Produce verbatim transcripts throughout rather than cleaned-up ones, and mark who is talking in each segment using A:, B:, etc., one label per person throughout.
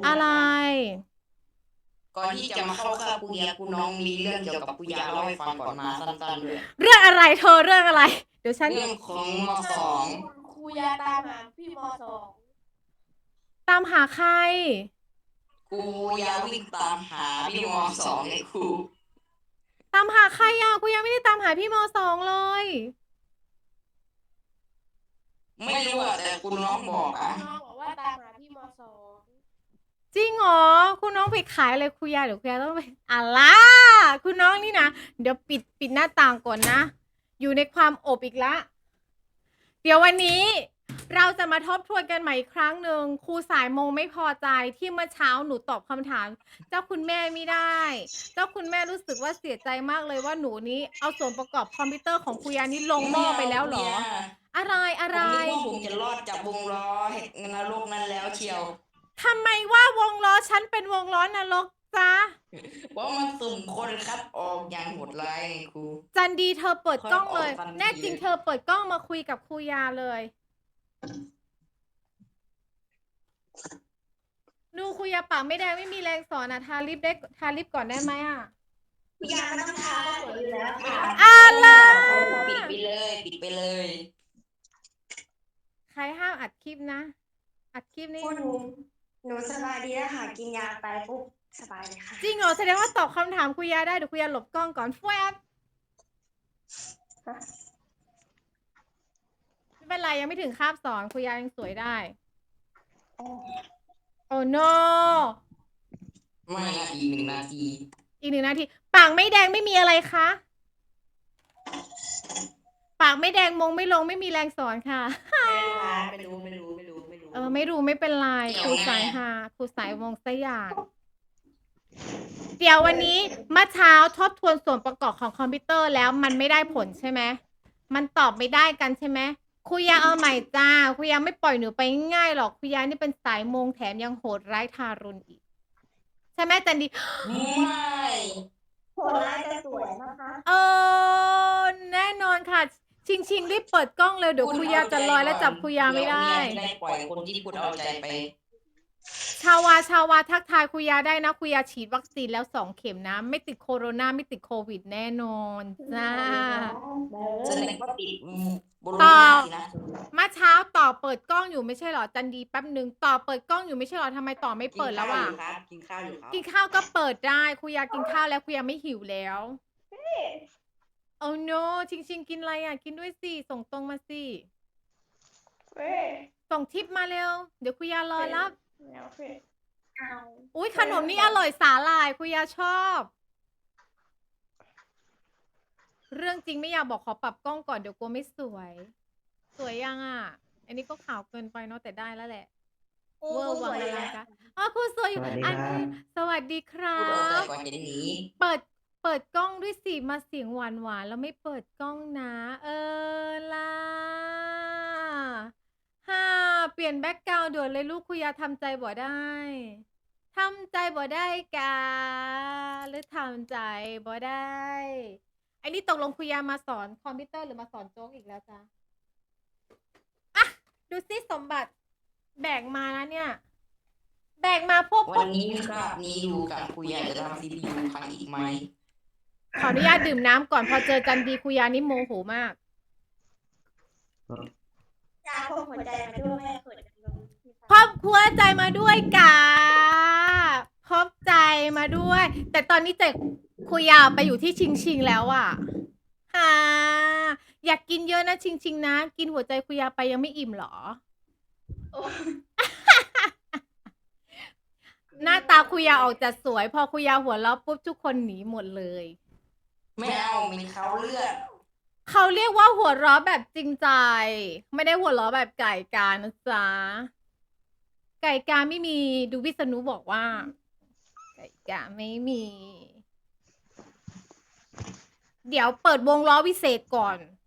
A: อะไร
B: ก่อนที่จะมาเข้าค่ายกูเยากูน้องมีเรื่องเกี่ยวกับกูยาเล่าให้ฟังก่อนมาสั้นๆด้วย
A: เรื่องอะไรเธอเรื่องอะไรเดี๋ยวฉัน
B: เรื่องของมสอง
C: คุณครูยาตามหาพี่มสอง
A: ตามหาใคร
B: กูยาวิ่งตามหาพี่มสองไอ้ครู
A: ตามหาใครอ่ะกูยังไม่ได้ตามหาพี่มสองเลย
B: ไม่รู้อะแต่กูน้องบอกอะ
C: น้องบอกว่าตามหาพี่มสอง
A: จริงเหรอคุณน้องไปขายอะไรคุยาเดี๋ยวคุยาต้องไปอะไรคุณน้องนี่นะเดี๋ยวปิดปิดหน้าต่างก่อนนะอยู่ในความอบอีกละเดี๋ยววันนี้เราจะมาทบทวนกันใหม่อีกครั้งหนึ่งครูสายโมไม่พอใจที่เมื่อเช้าหนูตอบคำถามเจ้าคุณแม่ไม่ได้เจ้าคุณแม่รู้สึกว่าเสียใจมากเลยว่าหนูนี้เอาส่วนประกอบคอมพิวเตอร์ของคุยานี้ลงหม้อไปแล้วเหรออะไรอะ
B: ผ
A: ไร
B: มนึกว่าผมจะรอดจากวงล้อแห่งนรกนั้นแล้วเชียว
A: ทำไมว่าวงล้อฉันเป็นวงล้อนรกจ๊ะ
B: เพราะมันสุ่มคนคัดออกอย่างโหดร้ายไงครู
A: จันดีเธอเปิดกล้องเลย
B: ค่อยออกทันที
A: แน่จริงเธอเปิดกล้องมาคุยกับครูยาเลยดูครูยาปากไม่แดงไม่มีแรงสอนอ่ะทาลิปได้ทาลิปก่อนได้ไหมอ่ะ
C: พี่ยาไม่ต้องทาก็สวยอยู่แล้วค่ะ
A: อะไร
B: ปิดไปเลยปิดไปเลย
A: ใครห้ามอัดคลิปนะ อัดคลิปนี่
D: หนูหนูสบายดีแล้วค่ะกินยาไปปุ๊บสบายเลยค่ะ
A: จริงเหรอแสดงว่าตอบคำถามครูยาได้เดี๋ยวครูยาหลบกล้องก่อนแฟบไม่เป็นไรยังไม่ถึงคาบสอนครูยายังสวยได้โอ้ no
B: ไม่นะอีกหนึ่งนาที
A: อีกหนึ่งนาทีปากไม่แดงไม่มีอะไรคะปากไม่แดงมงไม่ลงไม่มีแรงสอนค่ะ
B: ไม่รู้ไม่รู้ไม่รู้ไม่รู้
A: เออไม่รู้ไม่เป็นไรครูสายหาครูสายวงสยามเดี๋ยววันนี้เมื่อเช้าทบทวนส่วนประกอบของคอมพิวเตอร์แล้วมันไม่ได้ผลใช่ไหมมันตอบไม่ได้กันใช่ไหมครูยาเอาใหม่จ้าครูยาไม่ปล่อยหนูไปง่ายหรอกครูยานี่เป็นสายมงแถมยังโหดร้ายทารุณอีกใช่ไหมจันดี
B: ไม่
D: โหดร้ายแต่สวยนะคะ
A: เออแน่นอนค่ะชิงชิงรีบเปิดกล้องเลยเดี๋ยวครูยาจะลอยแล้วจับครูยาไม่ได้
B: ได้ปล่อยคนที่คุณเอาใจไป
A: ชาวาชาวาทักทายคุยาได้นะคุยาฉีดวัคซีนแล้วสองเข็มนะไม่ติดโคโรนาไม่ติดโควิดแน่นอนจ้า
B: แสดงว่าติดบรู
A: ต่อ
B: น่าสินะ
A: มาเช้าต่อเปิดกล้องอยู่ไม่ใช่หรอจันดีแป๊บหนึ่งต่อเปิดกล้องอยู่ไม่ใช่หรอทำไมต่อไม่เปิดแล้วอ่ะ
B: กินข้าวอยู่ครับ
A: กินข้าวก็เปิดได้คุยากินข้าวแล้วคุยาไม่หิวแล้วโอ้ no ชิงชิงกินอะไรอ่ะกินด้วยสิส่งตรงมาสิส่งทิปมาเร็วเดี๋ยวคุยารอรับอุ้ยขนมนี่อร่อยสาหร่ายคุยาชอบเรื่องจริงไม่อยากบอกขอปรับกล้องก่อนเดี๋ยวกลัวไม่สวย สวยยังอ่ะอันนี้ก็ขาวเกินไปเนาะแต่ได้แล้วแหละเวอร์วังอลังการอ๋อครูสวยอยู่อันนี้สวัสดีครั
B: พูดเอาใจ
A: บ
B: ก่อนจะหนี
A: เปิดเปิดกล้องด้วยสิมาเสียงหวานหวานแล้วไม่เปิดกล้องนะ เออล่ะฮ่าเปลี่ยนแบ็กกราวด์ด่วนเลยลูกคุยาทำใจบ่ได้ทำใจบ่ได้กาหรือทำใจบ่ได้ไอ้นี่ตกลงคุยามาสอนคอมพิวเตอร์หรือมาสอนโจ๊กอีกแล้วจ้ะอ่ะดูสิสมบัติแบกมานะเนี่ยแบกมาพวก
B: วันนี้ครับนี้อยู่กับคุยาจะทำซีพียูพังอีกไหม
A: ขออนุญาตดื่มน้ำก่อนพอเจอจันดีคุยานี่โมโหมาก
D: ยาพกหัวใจมาด้วยแม่เขินจังเลย
A: พบหัวใจมาด้วยกาพบใจมาด้วย แต่ตอนนี้เจคุยาไปอยู่ที่ชิงชิงแล้วอ่ะฮ่าอยากกินเยอะนะชิงชิงนะกินหัวใจคุยาไปยังไม่อิ่มหรอหน้าตาคุยาออกจะสวยพอคุยาหัวเราะปุ๊บทุกคนหนีหมดเลย
B: ไม่เอามีเขาเลือด
A: เขาเรียกว่าหัวเราะแบบจริงใจไม่ได้หัวเราะแบบไก่กานะจ๊ะไก่กาไม่มีดูวิษณุบอกว่าไก่กาไม่มี เดี๋ยวเปิดวงล้อวิเศษก่อน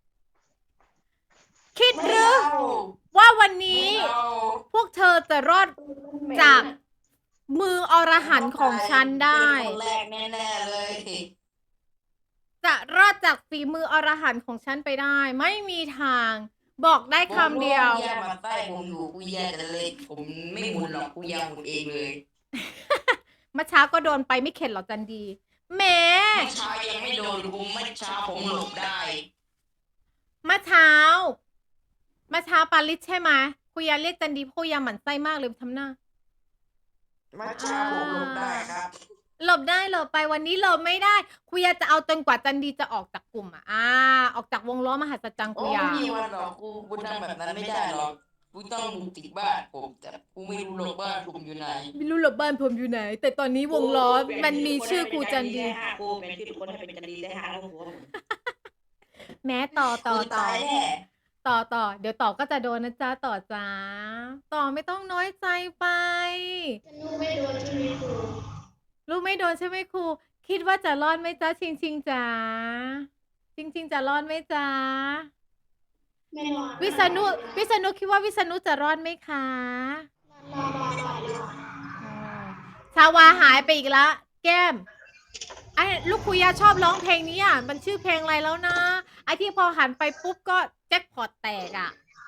A: คิดหรือว่าวันนี้พวกเธอจะรอดจากมืออรหันต์ของฉันได้
B: คนแรกแน่ๆเลย
A: จะรอดจากฝีมืออรหันต์ของฉันไปได้ ไม่มีทาง บอกได้คำเดียว
B: กูยามาใต้ผมอยู่กูยาจะเลยผมไม่หมุนหรอกกูยาหมุนเองเลย
A: เมื่อเช้าก็โดนไปไม่เข็ดหรอกจันดีแหม
B: เมื่อเช้ายังไม่โดนกูเมื่อเช้าผมหลบได้
A: เมื่อเช้าเมื่อเช้าปาลิสใช่ไหมคุยาเรียกจันดีเพราะคุยาหมั่นไส้มากเลยทำหน้า
B: เมื่อเช้าผมหลบได้ครับ
A: หลบได้หลบไปวันนี้หลบไม่ได้คุยาจะเอาจนกว่าจันดีจะออกจากกลุ่มอ่ะอ่าออกจากวงล้อมหัศจรรย์
B: โอ้
A: คุยา
B: ไม่มีวันหรอกกูกูทำแบบนั้นไม่ได้หรอกกูต้องบุกติดบ้านผมแต่กูไม่รู้หรอกบ้านผมอยู่ไหน
A: ไม่รู้หรอกบ้านผมอยู่ไหน แต่ตอนนี้วงล้อมันมีชื่อครูจันดี
E: ครูเป็นชื่อคนให้เป็นจันดีได้ห้าลูกหัวผม
A: แม้ต่อต่อ
B: กู
A: ต่อ
B: ตายแน่
A: ต่อต่อเดี๋ยวต่อก็จะโดนนะจ๊ะต่อจ้าต่อไม่ต้องน้อยใจไป
C: ลูกไม่โดนใช่ไหมครู
A: ลูกไม่โดนใช่ไหมครู คิดว่าจะรอดไหมจ๊ะชิงชิงจ๋าชิงชิงจะรอดไหมจ๊ะ
C: ไม่รอด
A: วิษณุวิษณุคิดว่าวิษณุจะรอดไหมคะ
C: รอดรอดรอดรอด
A: ชาวาหายไปอีกแล้วแก้มไอ้ลูกคุยาชอบร้องเพลงนี้อ่ะมันชื่อเพลงอะไรแล้วนะไอ้ที่พอหันไปปุ๊บก็แจ็คพอตแตกอ่ะ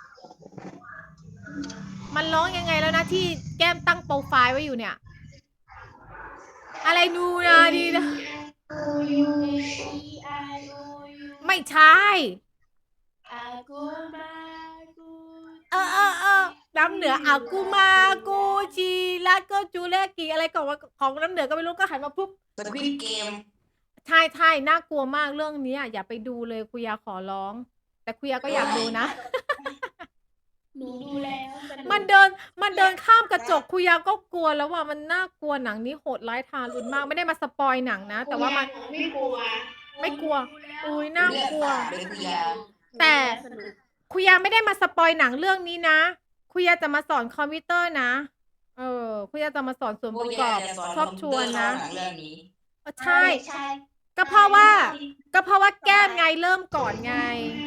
A: มันร้องยังไงแล้วนะที่แก้มตั้งโปรไฟล์ไว้อยู่เนี่ย อะไรนูนาดีนะ
C: กูยูอีอายูยู
A: ไม่ใช่
C: อากูมากู
A: เออเออเออน้ำเหนืออากูมากูจีแล้วก็จูเลกีอะไรของว่าของน้ำเหนือก็ไม่รู้ก็หันมาปุ๊บ
B: สควิดเกม
A: ใช่ใช่น่ากลัวมากเรื่องนี้อย่าไปดูเลยคุยาขอร้อง แต่คุยาก็อยากดูนะ
C: หนูดูแล้วสก
A: มันเดินมันเดินข้ามกระจกคุยาก็กลัวแล้วว่ามันน่ากลัวหนังนี้โหดร้ายทารุณมากไม่ได้มาสปอยหนังนะ แต่ว่ามัน
C: ไม่กลัว
A: ไม่กลัว
C: ดูแ
A: อุ้ยน่ากลัว
B: เลือดสาดเลยคุยา
A: แต่
C: สนุก
A: คุยาไม่ได้มาสปอยหนังเรื่องนี้นะคุยาจะมาสอนคอมพิวเตอร์นะ เออคุยาจะมาสอนส่วนประกอบชอบชวนนะ
B: หนังเรื่องนี้
A: เออใช่
C: ใช่
A: ก็เพราะว่า ก็เพราะว่าแก้มไงเริ่มก่อนไง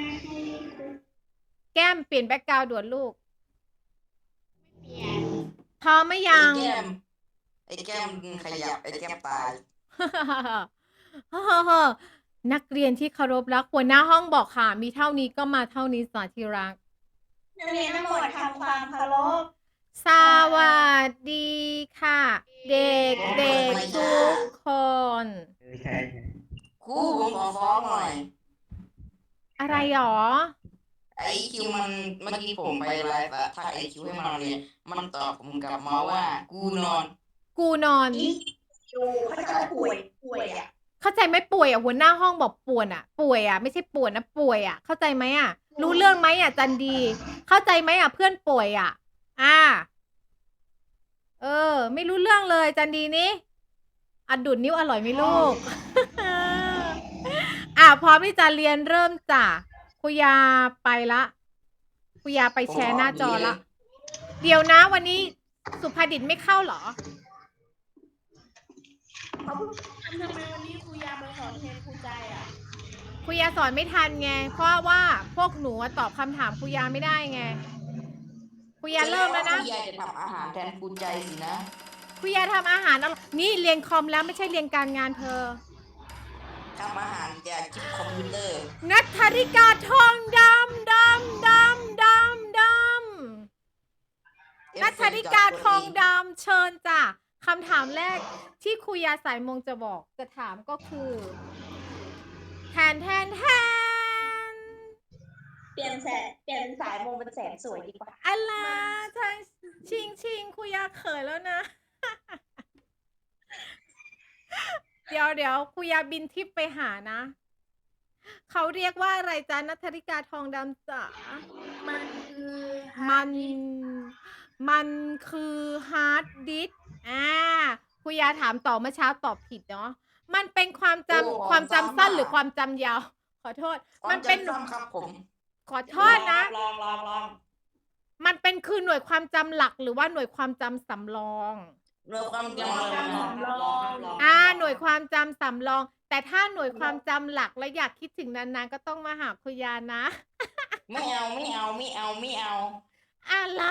A: แก้มเปลี่ยนแบ็กกราวด์ด่วนลูก
C: เปลี่ยน
A: พร้อมไหมยัง
B: ไอ้แก้มไอ้แก้มขยับไอ้แก้มตาย
A: นักเรียนที่เคารพรักหัวหน้าห้องบอกค่ะ มีเท่านี้ก็มาเท่านี้สาธิรัก
C: นักเรียนทั้งหมดทำความเคารพ
A: สวัสดีค่ะ เด็กเด็กทุกคน
B: ครูผมขอฟ้องหน่อย
A: อะไรหรอ
B: ไอคิวมันเมื่อกี้ผมไปไลฟ์อะทักไอคิวให้มันเรียนมันตอบผมกลับมาว่า กูนอน
A: กูนอน
C: อยู่เขาจะป่วยป่วยอ่ะ
A: เข้าใจไหมป่วยอ่ะหัวหน้าห้องบอกป่วนอ่ะ ป่วยอ่ะไม่ใช่ป่วนนะป่วยอ่ะ เข้าใจไหมอ่ะ รู้เรื่องไหมอ่ะจันดี เข้าใจไหมอ่ะเพื่อนป่วยอ่ะ อ่า เออ ไม่รู้เรื่องเลยจันดีนี่อะดุดนิ้วอร่อยไหมลูก อ่ะพร้อมที่จะเรียนเริ่มจ้ะคุยาไปละคุยาไปแชร์หน้าจอละ เดี๋ยวนะวันนี้สุภาดิตไม่เข้าเหรอ
C: เขาเพิ่งทำทำไมวันนี้ครูยามาสอนแทนครูใจอ่ะ
A: คุยาสอนไม่ทันไง เพราะว่าพวกหนูอะตอบคำถามคุยาไม่ได้ไงคุยาเริ่มแล้วนะ
B: คุยาจะทำอาหารแทนครูใจสินะ
A: คุยาทำอาหารอร่อยนี่เรียนคอมแล้วไม่ใช่เรียนการงานเธอ
B: ทำอาหารจากชิปคอมพิวเตอร์
A: นัทธริกาทองดำดำดำดำดำนัทธริกาทองดำเชิญจ้ะคำถามแรกที่คุยาสายมงจะบอกจะถามก็คือแทนแทนแทน
C: เปลี่ยนแสนเปลี่ยนสายมงเป็นแสนสวยดีกว่า
A: อะไรใช่ชิงชิงคุยาเขยแล้วนะ เดี๋ยวเดี๋ยวคุยาบินทิพย์ไปหานะ เขาเรียกว่าอะไรจ๊ะนัทธริกาทองดำจ๋า
C: มันคือ
A: มัน มันคือฮาร์ดดิสก์อ่าคุยาถามต่อเมื่อเช้าตอบผิดเนาะ มันเป็นความจำ
B: โอ้
A: ความจำสั้น
B: จำอะ
A: หรือความจำยาว ขอโทษ
B: มั
A: มัน น
B: เป็
A: เป็น น
B: ครับผม
A: ขอโทษนะ
E: ลองลองลอง
A: มันเป็นคือหน่วยความจำหลักหรือว่าหน่วยความจำสำรอง
B: เรื่องความ
E: ล
B: จำ
E: อง
B: เลย
E: ลองลองลอง
A: อ่า หน่วยความจำสำรอง แต่ถ้าหน่วยความจำหลักและอยากคิดถึงนานๆก็ต้องมาหาคุยานะ
B: ไม่เอาไม่เอาไม่เอาไม่เอา
A: อะไร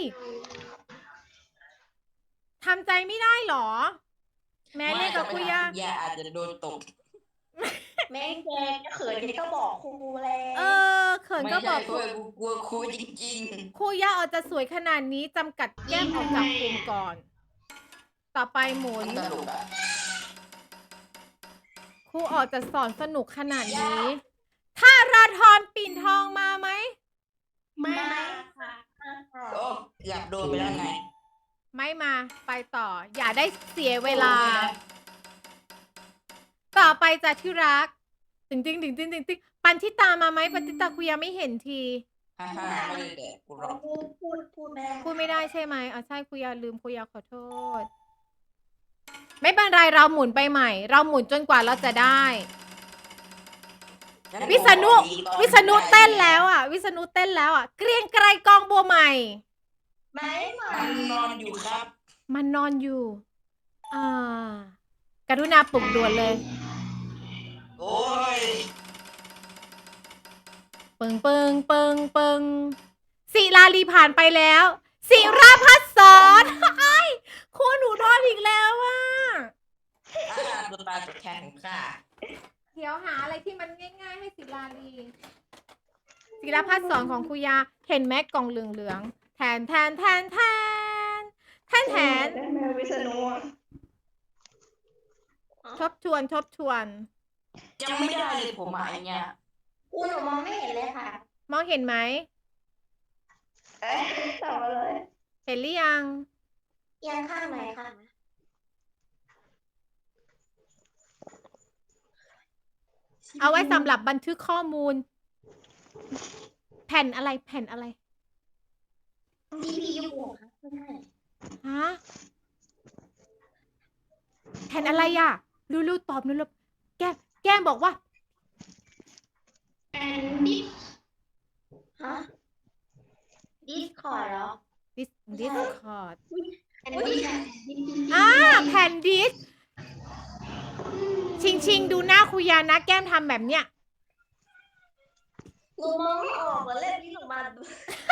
A: ทำใจไม่ได้หรอ แม้เรียกกับคุยา
B: ยาอาจจะโดนตก
C: แม่งแกจะเขินแกก็บอกครูแล้ว
A: เออ เขิน
B: ไม่
A: ก็บ
B: ใช่
A: อก
B: เพื่อกูกลัวครูจริง
A: ครูย่าออกจะสวยขนาดนี้จำกัดแก้มออกจากกลุ่มก่อนต่อไปหมุน
B: ตลกอ่ะ
A: ครูออกจะสอนสนุกขนาดนี้ ถ้าราธรปิ่นทองมาไหม
C: ไม่ค่ะ
B: โอ้เกือบโดนไปแล้วไง
A: ไม่มาไปต่อ อย่าได้เสียเวลา ต่อไปจ้ะที่รักติงติงติงติงติงติงปันทิตามาไหมปันทิตาคุยยังไม่เห็นที
B: ฮ่าฮ่าไม่ได้แดกกูหรอก
C: พูดพูดพูดไม่ได้
A: พูดไม่ได้ใช่ไหมอ๋อใช่คุยาลืมคุยาขอโทษ ไม่เป็นไรเราหมุนไปใหม่ เราหมุนจนกว่าเราจะได้
B: งั้น
A: วิษณุ
B: ผมขออีกตอน
A: วิษณุเต้นแล้วอ่ะ วิษณุเต้นแล้วอ่ะ เกรียงไกรกองบัวใหม่
C: ไม่มา
B: มันนอนอยู่ครับ
A: มันนอนอยู่ อ่า กรุณาปลุกด่วนเลย
B: โอ้ย
A: ปึงปึงปึงปึงศิลาลีผ่านไปแล้วศิราพัฒน์สอนไอ้ครูหนูโดนอีกแล้วอ่ะ
B: อ่าตัวตายตัวแทนของข้า
A: เดี๋ยวหาอะไรที่มันง่ายๆให้ศิลาลีศิราพัฒน์สอนของครูยา เห็นแม็กกล่องเหลืองๆแทนแทนแทนแทนแทนแทน
C: ได้ไหมวิษณุอะ
A: ทบทวนทบทวน
B: จำไม่ได้เลยผมอะไอเนี่ย
C: อูหนูมองไม่เห็นเลยค่ะ
A: มองเห็นไหม
C: เอ๊ะตอบมาเลย
A: เห็นหรือยัง
C: เอียงข้างไหนค่ะ
A: เอาไว้สำหรับบันทึกข้อมูล แผ่นอะไรแผ่นอะไร
C: ซี พี ยู ค่ะไม่ใช่
A: ฮะแผ่นอะไรอ่ะรู้ๆตอบรู้ๆแก้มแก้มบอกว่า
C: แอนดิสฮะดิสคอร์ดเหรอ
A: ดิสดิสคอร์ด
C: แอนดิส
A: อ่าแผ่นดิสชิงชิงดูหน้าคุยานะแก้มทำแบบเนี้ย
C: หนูมองไม่ออกเหมือนเล่นที่หนูมาดู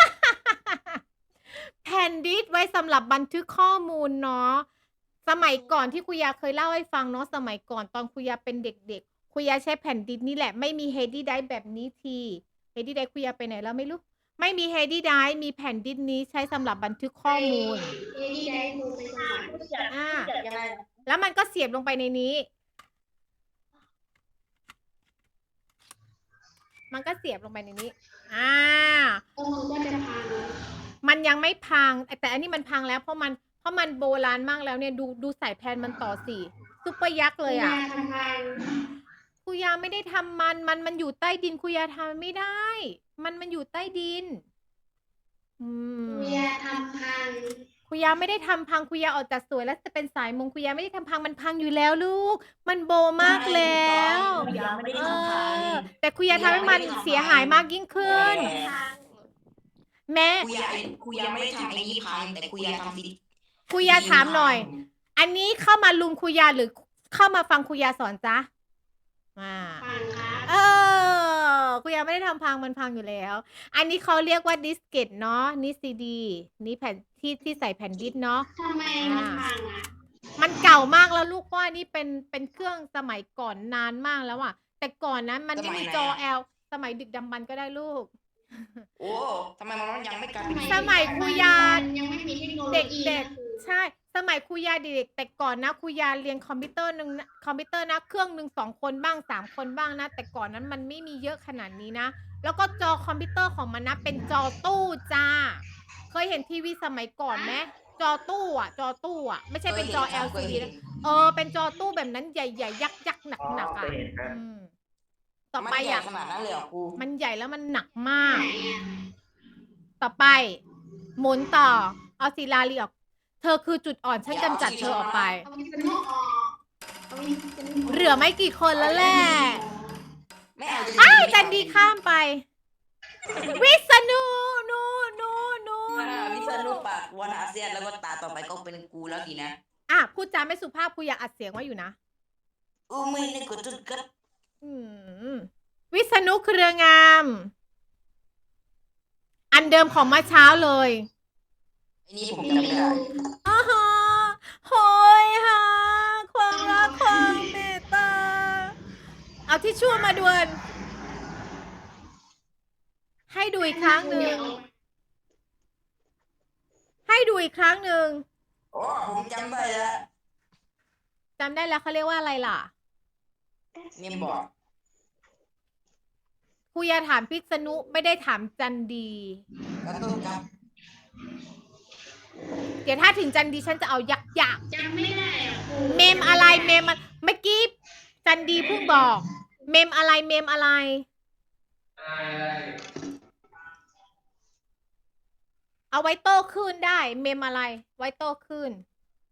A: แผ่นดิสไว้สำหรับบันทึกข้อมูลเนาะสมัยก่อนที่คุยาเคยเล่าให้ฟังเนาะสมัยก่อนตอนคุยาเป็นเด็กๆคุยาใช้แผ่นดิสนี่แหละไม่มีเฮดดี้ไดร์แบบนี้ทีเฮดดี้ไดร์คุยาไปไหนแล้วไม่รู้ไม่มีเฮดดี้ไดร์มีแผ่นดิสนี้ใช้สำหรับบันทึกข้อมูล
C: เอดีได้ดูไปสมัคร
A: อ่า
C: เกิดยังไง
A: แล้วมันก็เสียบลงไปในนี้ มันก็เสียบลงไปในนี้ อ่า
C: มันก็จะพัง
A: มันยังไม่พัง แต่อันนี้มันพังแล้วเพราะมันเพราะมันโบราณมากแล้วเนี่ยดูดูสายแพนมันต่อสี่ซุปเปอร์ยักษ์เลยอ่ะ
C: ทำพัง
A: คุยาไม่ได้ทำมัน มันมันอยู่ใต้ดินคุยาทำไม่ได้ มันมันอยู่ใต้ดิน อืม
C: เมียทำพัง
A: คุยาไม่ได้ทำพังคุยาออกจากสวยแล้วจะเป็นสายมงคุยาไม่ได้ทำพังมันพังอยู่แล้วลูก มันโบมากแล้ว
B: คุยาไม่ได้
A: เอ
B: ทำพัง
A: อแต่คุยาทำให้มันเสียหายมากยิ่งขึ้น แม่
B: คุยาคุยาไม่ได้ทำไอ้นี่พังแต่คุยาทำสิ
A: คุยาถามหน่อย อันนี้เข้ามาลุมคุยาหรือเข้ามาฟังคุยาสอนจ๊ะอ่า
C: พังครับ
A: เออคุยาไม่ได้ทำพังมันพังอยู่แล้ว อันนี้เขาเรียกว่าดิสเกตเนาะนี่ซีดีนี่แผ่นที่ที่ใส่แผ่นดิสเนาะ
C: ทำไมมันพังอ่ะ
A: มันเก่ามากแล้วลูกว่านี่เป็นเป็นเครื่องสมัยก่อนนานมากแล้วอะแต่ก่อนนั้นมันไม่มีจอ แอล สมัยดึกดำบรรพ์ก็ได้ลูก
B: โอ้ทำไมมันยังไม่กลายเป็น
A: สมัยครูยา
C: ยังไม่มีเทคโนโล
A: เด็ก
C: ยี
A: เด็กใช่ สมัยครูยาเด็กแต่ก่อนนะครูยาเรียนคอมพิวเตอร์หนึ่งนะคอมพิวเตอร์นะเครื่องหนึ่งสองคนบ้างสามคนบ้างนะ แต่ก่อนนั้นมันไม่มีเยอะขนาดนี้นะ แล้วก็จอคอมพิวเตอร์ของมันนะเป็นจอตู้จ้า เคยเห็นทีวีสมัยก่อนไหมจอตู้อ่ะ จอตู้อ่ะ ไม่ใช่เป็นจอ แอล ซี ดี นะ เออ เป็นจอตู้แบบนั้นใหญ่ๆ ยักษ์ยักษ์หนักหนักๆอ่ะอืมต่อไป
B: มันใหญ่
A: อ่ะ
B: ขนาดนั้นเลยเหรอครู
A: มันใหญ่แล้วมันหนักมาก ต่อไป หมุนต่อ เอาศิลาลีออก เธอคือจุดอ่อน ฉันกำจัดเธอออกไป
C: เอาวิษณุออกเอาวิษณุออก
A: เหลือไม่กี่คนแล้วแหละ
B: ไม่เอาจะ
A: อ้าวจันดีข้ามไป วิษณุนูนูนู
B: อ่า
A: นู
B: วิษณุปากวันอาเซียนแล้วก็ตาต่อไปก็เป็นกูแล้วสินะ
A: อ่ะพูดจาไม่สุภาพคุยอยากอัดเสียงไว้อยู่นะ
B: อู้ไม่นึกว่าจุดกัด
A: อืมวิษณุเครืองาม อันเดิมของเมื่อเช้าเลย
B: ไอ้นี่ผมจำไม่ได้
A: อ้าฮะโหยฮะความรักความเมตตา เอาที่ชั่วมาด่วน ให้ดูอีกครั้งหนึ่ง ให้ดูอีกครั้งหนึ่ง
B: โอ้ผผมจำได้แล้ว
A: จำได้แล้วเขาเรียกว่าอะไรล่ะ
B: เมมบอก
A: ครูยาถามพิษณุไม่ได้ถามจันดี
B: กระตุ้นครับ
A: เดี๋ยวถ้าถึงจันดีฉันจะเอายักษ์ยักษ์
C: จำไม่ได้อ่ะครู
A: เมมอะไรเมมอะเมื่อกี้จันดีเพิ่งบอก เมมอะไรเมมอะไร เอาไว้โต้ขึ้นได้ เมมอะไร ไว้โต้ขึ้น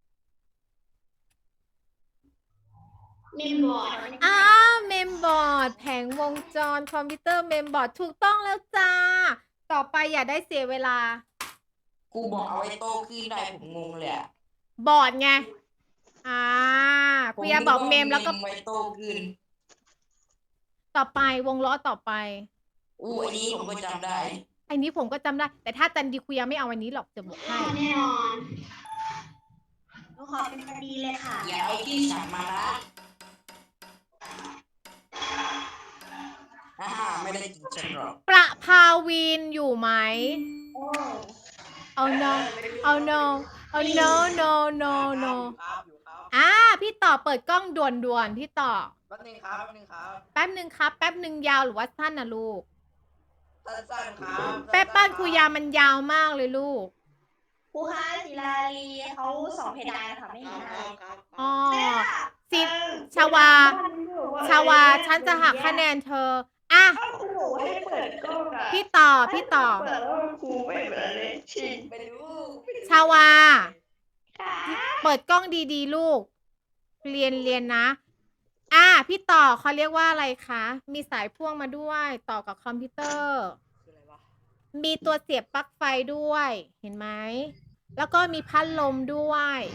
C: เมมบอร์ด
A: อ้าวเมมบอร์ดแผงวงจรคอมพิวเตอร์เมมบอร์ดถูกต้องแล้วจ้า ต่อไปอย่าได้เสียเวลา
B: กูบอกเอาไว้โตขึ้นได้ผมงงเลยอะ
A: บอร์ดไง อ่าคุยาบอกเมมแล้วก็
B: ไว้โตขึ้น
A: ต่อไปวงล้อต่อไป
B: อู้อันนี้ผมก็จำได้
A: อันนี้ผมก็จำได้ แต่ถ้าจันดีคุยาไม่เอาอันนี้หรอกจะบอกให้
C: แน่นอน
D: หนูขอเป็นคดีเลยค่ะ
B: อย่าเอาที่ฉันมาละอ่าไม่ได้กินฉันหรอก
A: ประภาวินอยู่ไหม
D: โอ้
A: เอา no เอา no เอา no no no no
E: ครับอยู่ครับ
A: อ่าพี่ต่อเปิดกล้องด่วนด่วนๆพี่ต่อ
E: แป๊บนึงครับแป๊บนึงครับ
A: แป๊บหนึ่งครับ แป๊บหนึ่งยาวหรือว่าสั้นนะลูก
E: สั้นๆครับ
A: แป๊บบ้านคุยามันยาวมากเลยลูก
D: ครูคะศิลาลีเขาสองเพดานค่ะไม่
E: ค
D: เห็
E: รั
D: น
E: บ
D: หน้า
E: ครับ
A: อ๋อ สิ
D: เออ
A: ชาวา ชาวา ฉันจะหักคะแนนเธอ อ่ะ
D: เอ้าครูบอกให้เปิดกล้องอะ
A: พี่ต่อ พี่ต่อ
D: เปิดแล้วครูไม่เปิดเลยชิง
B: ไปดู
A: ชาวา
D: ค่ะ
A: เปิดกล้องดีๆ ลูก เรียนเรียนนะ อ่ะ พี่ต่อเขาเรียกว่าอะไรคะ มีสายพ่วงมาด้วย ต่อกับคอมพิวเตอร์
E: คืออะไรวะ
A: มีตัวเสียบปลั๊กไฟด้วย เห็นไหม แล้วก็มีพัดลมด้วย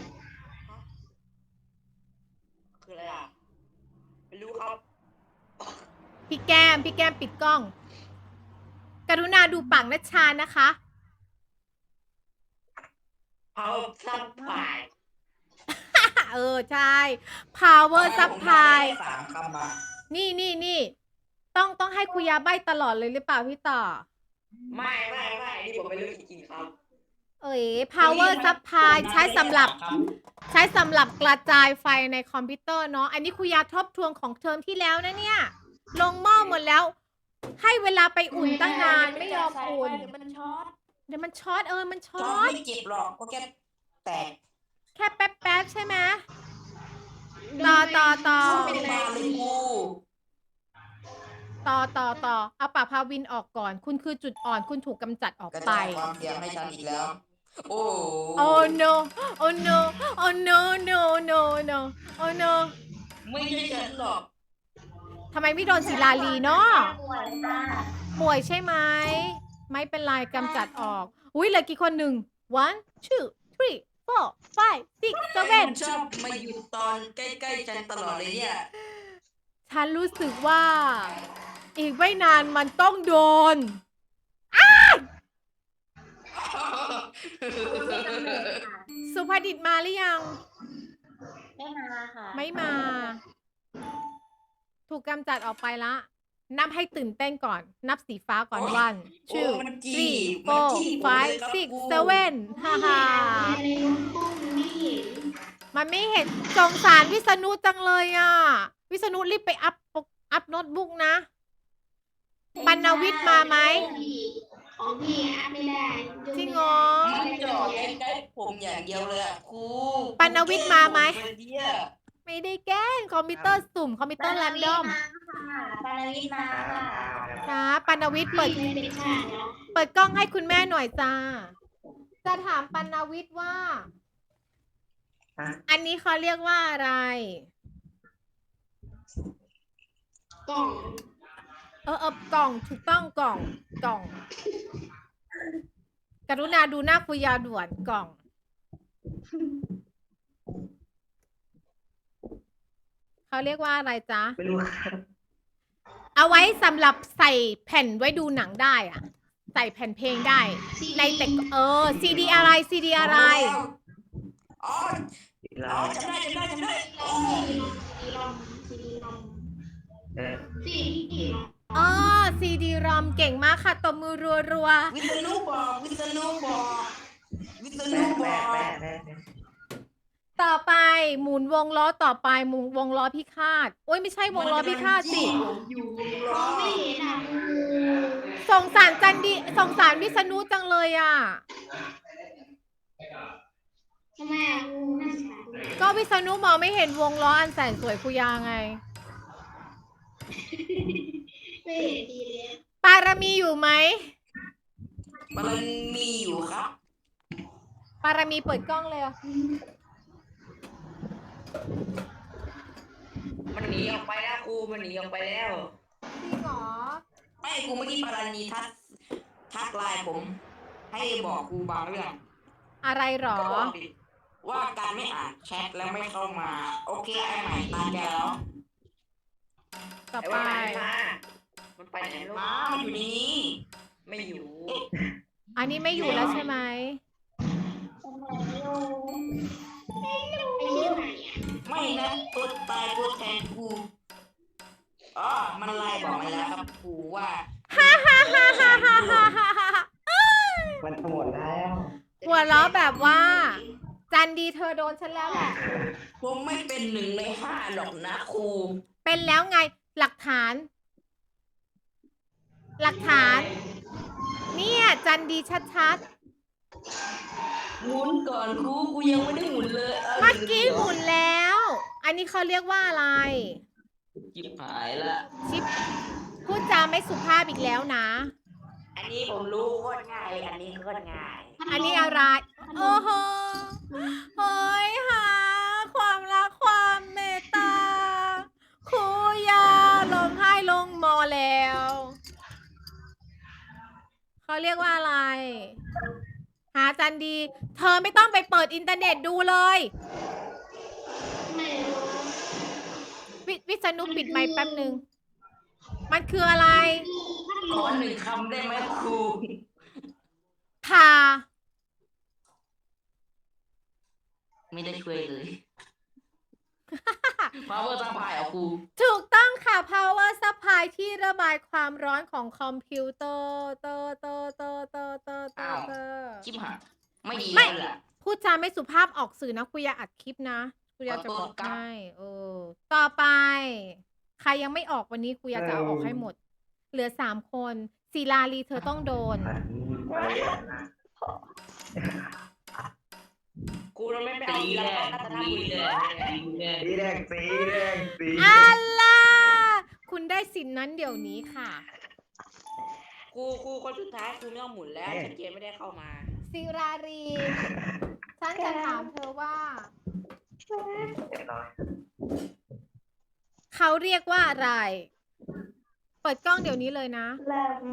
E: คืออะไรอ่ะไม่รู้ครับ
A: พี่แก้ม พี่แก้มปิดกล้อง กรุณาดูปากนัชชานะคะ
E: เอาซับไฟ
A: เออ ใช่ power
B: ผม
A: supply
B: จำได้สามคำอะ
A: นี่นี่นี่ ต้องต้องให้คุยาใบตลอดเลยหรือเปล่าพี่ต่อ
E: ไม่ไม่ไม่นี่ผมไม่รู้จริงๆครับ
A: เอ๋ย power supply ใช้สำหรับ ใช้สำหรับกระจายไฟในคอมพิวเตอร์เนาะ อันนี้คุยาทบทวนของเทอมที่แล้วนะเนี่ย ลงหม้อหมดแล้ว ให้เวลาไปอุ่นตั้งนานไม่ยอมอุ่น
E: เดี๋ยวมันช็อต
A: เดี๋ยวมันช็อตเออ มันช็
B: จ
A: อ
B: อ
A: ต
B: ไม่เจ็บหรอกก็แค่แตก
A: แค่แป๊บๆใช่ไหม ต่อต่อต่อ
B: เป็นมาเลยกู
A: ต่อต่อต่อ เอาปากพาวินออกก่อน คุณคือจุดอ่อน คุณถูกกำจัดออก
B: กระ
A: ไป
B: จายความเสี่ยงให้ฉันอีกแล้ว โอ้
A: Oh no Oh no Oh no no no no Oh no
E: ไม่ใช่ฉันหรอก
A: ทำไมไม่โดนศิลาลีเนาะ
D: ป่วยค่ะ
A: ป่วยใช่ไหม ไม่เป็นไรกำจัดออก อุ้ยเหลือกี่คนหนึ่ง one two three four five six
B: มัน
A: seven
B: ชอบมาอยู่ตอนใกล้ๆฉันตลอดเลยเนี่ย
A: ฉันรู้สึกว่า อีกไม่นานมันต้องโดน สุภดิษฐ์มาหรือยัง
D: ไม่มาค่ะ
A: ไม่มา ถูกกำจัดออกไปละ นับให้ตื่นเต้นก่อน นับสีฟ้าก่อน
B: โอ้ย
A: one
B: โอ้
A: two
B: มันจี้
A: three
B: มัน
A: four
B: จี้ผม
A: five
B: เลยครับ
A: six
B: กู
A: seven ฮ่าฮ่า
C: อะไรลงปุ้งไม่เห็น
A: มันไม่เห็นสงสารวิษณุจังเลยอ่ะ วิษณุรีบไปอัพปุ๊กอัพโน้ตบุ๊กนะ ปัณณวิทย์มาไหม
C: ของพี่อัพไม่ได้
A: จริงเหรอ
B: มันจอดใกล้ๆผมอย่างเดียวเลยอะครู
A: ปัณณวิทย์มาไหม
B: ผเป็นเดีย
A: ไม่ได้แกล้งคอมพิวเตอร์สุ่ม คอมพิวเตอร์แรนดอม
D: ปานาวิทย์มาค่ะ
A: นะปัณณวิทย์เปิด
C: พี่ไม่เป็นข้าเนาะ
A: เปิดกล้องให้คุณแม่หน่อยจ้า จะถามปัณณวิทย์ว่า อันนี้เขาเรียกว่าอะไร
C: กล่อง
A: เออเออกล่องถูกต้องกล่องกล่อง กรุณาดูหน้าคุยาด่วนกล่อง เขาเรียกว่าอะไรจ๊ะ
E: ไม่รู้ครับ
A: เอาไว้สำหรับใส่แผ่นไว้ดูหนังได้อะใส่แผ่นเพลงได้ ในแต่เออซีดีอะไรซีดีอะไร
B: อ๋ออ๋อจำได้จำได้จำได้อ๋อ
C: ซีรอมซีรอม
E: เออ
C: ซีรอม
A: อ๋อซีดีรอมเก่งมากค่ะตบมือรัว
B: วิษณุบอกวิษณุบอกวิษณุ
E: แปะ
B: บอ
E: แปะ
B: ก
E: แปะแปะแปะ
A: ต่อไปหมุนวงล้อต่อไปหมุนวงล้อพิฆาตโอ้ยไม่ใช่วงล้อพิฆาตสิ
B: ผมอยู่วง
C: ม
B: ล้
C: อ
B: อง
C: ไม่เห็นอ่ะ
A: สงสารจันดีสงสารวิษณุจังเลยอ่ะ
C: ทำไมอ่ะครูน่าสงสาร
A: ก็วิษณุมองไม่เห็นวงล้ออันแสนสวยคุยาไง
C: ไม่เห็นดีเลย
A: ปารมีอยู่ไหม
B: มันมีอยู่ครับ
A: ปารมีเปิดกล้องเลยอ่ะ
E: มันหนีออกไปแล้วครูมันหนีออกไปแล้ว
A: จริงเหรอ
B: ไม่ครูเมื่อกี้ปารานีทักทักไลน์ผม ให้บอกครูบางเรื่อง
A: อะไรหรอ
B: ก็บอกดิว่าการไม่อ่านแชทแล้วไม่เข้ามา โอเคไอ้ใหม่ตามแกแล้ว
A: ต่อ
E: ไอ้
A: ไป
E: ว่ามันมามันไปไหนแล้ว
B: มามันอยู่ในนี้
E: ไม่อยู่
A: อันนี้ไม่อยู่แล้วใช่ไหม
C: ทำไมอยู่ไอ้ชื่อไหนอ่ะ
B: ไม่นะตัวตายตัวแทนครูอ๋อมันไลน์บอกมาแล้วครับครูว่า
A: ฮ่าฮ่าฮ่าฮ่าฮ่าฮ่าฮ่าฮ่า
F: มันหมดแล้ว
A: หัวเราะแบบว่า จันดีเธอโดนฉันแล้วแหละ
B: ผมไม่เป็นหนึ่งในห้าหรอกนะครู
A: เป็นแล้วไง หลักฐาน หลักฐาน เนี่ย จันดีชัด
B: หมุนก่อนครูครูยังไม่ได้หมุนเลย
A: ๆ เมื่อกี้หมุนแล้ว อันนี้เขาเรียกว่าอะไร
B: จิบหายละ
A: ชิปพูดจาไม่สุภาพอีกแล้วนะ
B: อันนี้ผมรู้โคตรง่าย อันนี้โคตรง่าย
A: อันนี้อะไร โอ้โหเฮ้ยหาความรักความเมตตาครูยาลงให้ลงมอแล้ว เขาเรียกว่าอะไร หาจันดี เธอไม่ต้องไปเปิดอินเทอร์เน็ตดูเลย
C: ไม่รู้
A: วิวิษณุปิดไมค์แป๊บหนึ่ง มันคืออะไร
B: ขอหนึ่งคำได้ไหมครู
A: ทา
B: ไม่ได้ช่วยเลย power supply เหรอครู
A: ถูกต้องค่ะ power supply ที่ระบายความร้อนของคอมพิวเตอร์เตอร์เตอร์เตอร์เตอร์เตอร์เตอ
B: อ้าว
A: ร์เตอร์
B: ชิบหายไม่ดี
A: ไม่
B: แล้วล่ะ
A: พูดจาไม่สุภาพออกสื่อนะคุยาอัดคลิปนะคุยาจะ
B: ขอโทษ
A: บอก
B: ครับ
A: ให้เออต่อไป ใครยังไม่ออกวันนี้คุยาจะเอาออกให้หมด เหลือสามคนศิลาลีเธอต้องโดน
F: อันนี้ไปแล้วนะ
E: ครูเราไม่ไปเอาอีแล้วรัตนบุรีเลย
F: สีแดงสีแดงสี
A: อัลล่าคุณได้สินนั้นเดี๋ยวนี้ค่ะ
E: ครูครูคนสุดท้ายครูไม่ต้องหมุนแล้วฉันเกมไม่ได้เข้ามา
A: ศิรารี ฉันจะถามเธอว่า เขาเรียกว่าอะไร เปิดกล้องเดี๋ยวนี้เลยนะ
C: แรม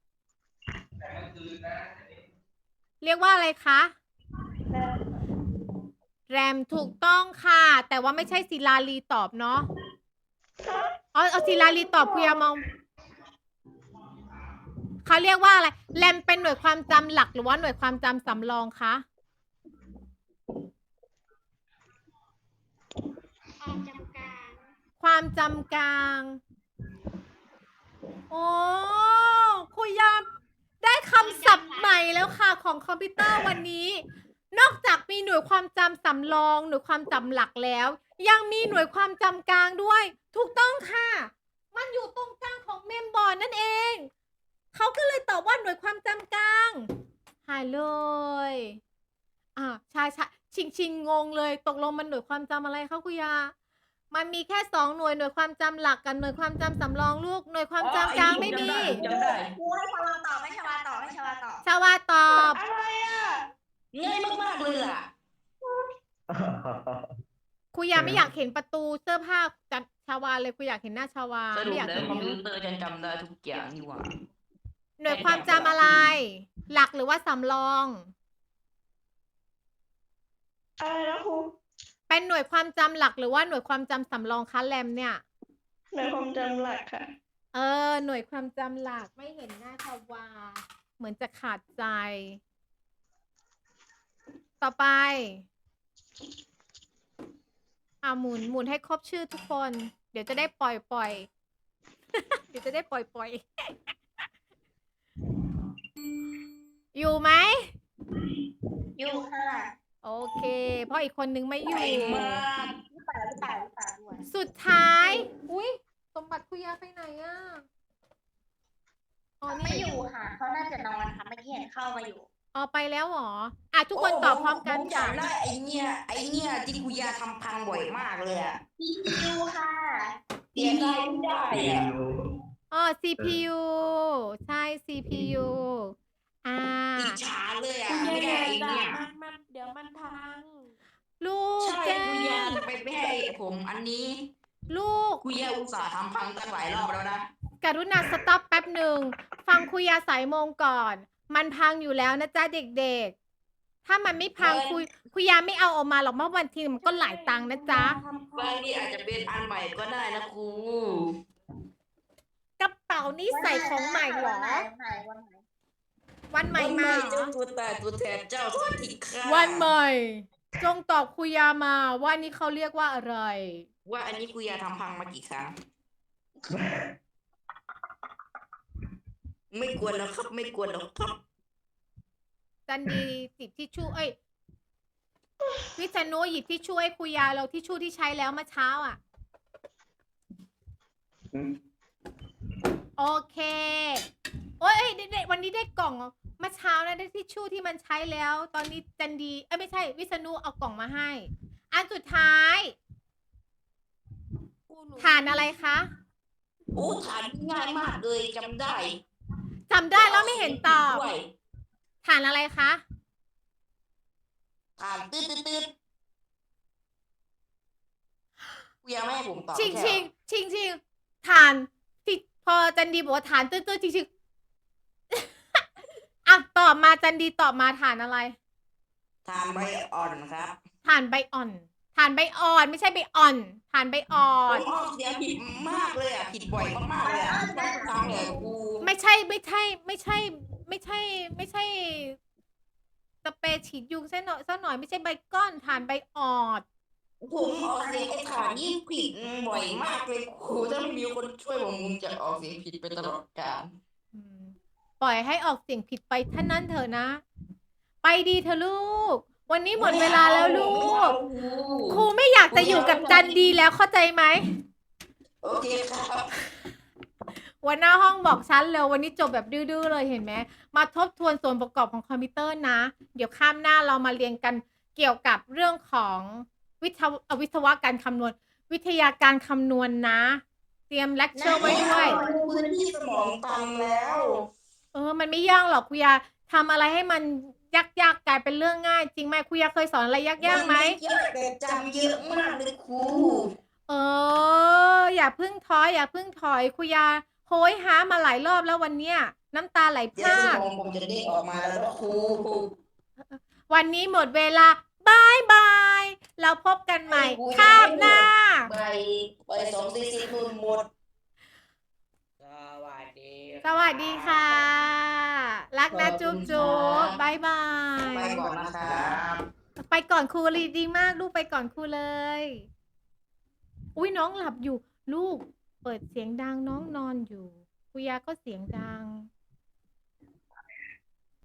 A: เรียกว่าอะไรคะ
C: แรม
A: แรมถูกต้องค่ะ แต่ว่าไม่ใช่ศิลาลีตอบเนาะเอาเอาศิลาลีตอบคุยามองเขาเรียกว่าอะไร แรมเป็นหน่วยความจำหลักหรือว่าหน่วยความจำสำรองคะ
C: ความจำกัด
A: ความจำกลาง โอ้คุยยามได้คำศัพท์ใหม่แล้วค่ะของคอมพิวเตอร์วันนี้ นอกจากมีหน่วยความจำสำรอง หน่วยความจำหลักแล้ว ยังมีหน่วยความจำกลางด้วย ถูกต้องค่ะ มันอยู่ตรงกลางของเมมบอร์ดนั่นเอง เขาก็เลยตอบว่าหน่วยความจำกลางหายเลยอ่าใช่ใช่ชิงชิงงงเลย ตกลงมันหน่วยความจำอะไรคะคุยา มันมีแค่สองหน่วยหน่วยความจำหลักกับหน่วยความจำสำรองลูกหน่วยความจำกลางไม่มี
B: จำได้
D: ครูให้ชาวาตอบให้ชาวาตอบให้ชาวาตอบ
A: ชาวาตอบ
C: อะไรอ่ะ
B: ง่ายมากๆเลยล่ะ
A: ครูยาไม่อยากเห็นประตูเสื้อผ้าจัดชาวาเลยครูอยากเห็นหน้าชาวา
B: สรุ
A: ไม่
B: ป
A: อยาก
B: แล้
A: เห็
B: วน คอมพิ
A: นิ้ว
B: วเตอร์ฉันจำได้ทุกอย่างนี่หว่า
A: หน่วยความจำอะไร หลักหรือว่าสำรอง
C: อะไรนะครู
A: เป็นหน่วยความจำหลักหรือว่าหน่วยความจำสำรองคะแรมเนี่ย
C: หน่วยความจำหลักค่ะ
A: เออ หน่วยความจำหลักไม่เห็นหน้าชาวา เหมือนจะขาดใจ ต่อไป อ่าหมุนหมุนให้ครบชื่อทุกคน เดี๋ยวจะได้ปล่อยปล่อย เดี๋ยวจะได้ปล่อยปล่อย อยู่ไหม
D: อยู่ค่ะ
A: โอเค เพราะอีกคนนึงไม่อยู่
B: ไอ้มาก
C: พี่ป่าพี่ป่าพี่ป่าด้วย
A: สุดท้าย อุ้ยสมบัติคุยาไปไหนอะอ๋อ
C: ไม่
A: นี่
C: อยู่ค่ะเขาน่าจะนอนค่ะเมื่อกี้เห็นเข้ามาอยู่
A: อ๋อไปแล้วเหรอ อ่ะทุกคนตอบพร้อมกัน
B: ผม
A: ค่ะ
B: จำได้ไอ้เนี่ยไอ้เนี่ยที่คุยาทำพังบ่อยมากเลยอะ
C: ซี พี ยู ค่ะ
B: เสียดายไม่ได้
F: ซี
B: อะ
F: ยู
A: อ๋อ ซี พี ยู ใช่ ซี พี ยู อ่า
B: อิจฉาเลยอะ
E: คุณ
B: ไม่ได้
E: ยาย
B: ไอ้
E: ด่า
B: เนี่ย
E: มันมันเดี๋ยวมันพัง
A: ลูก
B: ใช่
A: แก้
B: คุยาม ไปไม่ให้ผมอันนี้
A: ลูก
B: คุยาอุตส่าห์ทำพังตั้งหลายรอบแล้วนะ
A: กรุณาสต็อปแป๊บหนึ่ง ฟังคุยาสายโมงก่อน มันพังอยู่แล้วนะจ๊ะเด็กๆ ถ้ามันไม่พัง
B: เออ
A: คุยคุยาไม่เอาออกมาหรอกเมื่อวันทีมันก็หลายตังค์นะจ๊ะ
B: บางทีอาจจะเป็นอันใหม่ก็ได้นะครู
A: กระเป๋านี้ใส่ของใหม่เหรอ
C: วันไหนวันไหนวันไหน
A: วันใหม่มาเหร
B: เจ้า
A: อ
B: ตัวตายตัวแทนเจ้าสวัสดีค่ะ
A: วันใหม่ จงตอบคุยามาว่านี่เขาเรียกว่าอะไร
B: ว่าอันนี้คุยาทำพังมากี่ครั้ง ไม่กวนแล้วครับ ไม่กวนแล้วครับ
A: จันดีจิบที่ชู่เอ้ยวิษณุหยิบที่ช่วยคุยาเราที่ชู่ที่ใช้แล้วเมื่อเช้าอ่ะ
F: อืม
A: โอเค โอ้ยเอ้ยได้ได้วันนี้ได้กล่องเมื่อเช้านะได้ทิชชู่ที่มันใช้แล้ว ตอนนี้จันดี เอ้ยไม่ใช่ วิษณุเอากล่องมาให้ อันสุดท้ายฐานอะไรคะ
B: โอ้ฐานง่ายมากเลยจำได้
A: จำได้แล้วไม่เห็นตอบ
B: ด้วย
A: ฐานอะไรคะ
B: ฐานตืดตืดตืดคุยาไม่ให้ผมตอบ
A: ชิง
B: ใช่
A: ชิง
B: เหรอ
A: ชิงชิงฐานที่พอจันดีบอกว่าฐานตื้อตื้อชิงชิง อ่ะตอบมาจันดีตอบมาฐานอะไร
B: ฐานใบอ่อนครับ
A: ฐานใบอ่อนฐานใบอ่อนไม่ใช่ใบอ่อนฐานใบอ่อ
B: ผ
A: น
B: มออกเสียงผิดมากเลยอ่ะ ผิดบ่อยมากๆเลยอ่ะทุกครั้งเลยครู
A: ไม่ใช่ไม่ใช่ ไม่ใช่ ไม่ใช่ ไม่ใช่สเปรย์ฉีดยุงซะหน่อยซะหน่อยไม่ใช่ใบก้อนฐานใบอ่อน
B: ผมออกเสียงไอ้ฐานนี่ผิดบ่อยมากเลยครูถ้าไม่มีคนช่วยผมผมจะออกเสียงผิดไปตลอดกาล
A: อืมปล่อยให้ออกเสียงผิดไปเท่านั้นเถอะนะ ไปดีเถอะลูก วันนี้หมดเวลาแล้วลูก ครูไม่อยากจะอยู่กับจันดีแล้วเข้าใจไหม
B: โอเคครับ
A: วันหน้าห้องบอกฉันเลยวันนี้จบแบบดื้อๆเลยเห็นไหมมาทบทวนส่วนประกอบของคอมพิวเตอร์นะ เดี๋ยวข้ามหน้าเรามาเรียนกันเกี่ยวกับเรื่องของวิทววิศวะการคำนวณ วิทยาการคำนวณนะ เตรียมเลคเชอร์ไว้ด้วย
B: พื้นที่สมองตันแล้ว
A: เออ มันไม่ยากหรอกคุยาทำอะไรให้มันยากๆกลายเป็นเรื่องง่าย จริงไหมคุยาเคยสอนอะไรยากๆไหม
B: เยอะแต่จำเยอะมากเลยครู
A: เออ อย่าพึ่งท้ออย่าพึ่งถอยคุยาโหยหามาหลายรอบแล้ววันเนี้ย น้ำตาไหลพ
B: เดี๋ยว
A: รา
B: ส
A: ก
B: มองผมจะเด้งออกมาแล้วนะครู
A: วันนี้หมดเวลาบายบาย เราพบกันใหม่คาบหน้า
B: ไปไปสองสี่สี่นู่นหมด
E: สวัสดี
A: สวัสดีค่ะ รักนะจุ๊บจุ๊บบายบาย
B: ไปก่อนนะครับ
A: ไปก่อนครูลีดีมากลูกไปก่อนครูเลย อุ้ยน้องหลับอยู่ ลูก เปิดเสียงดังน้องนอนอยู่คุยาก็เสียงดัง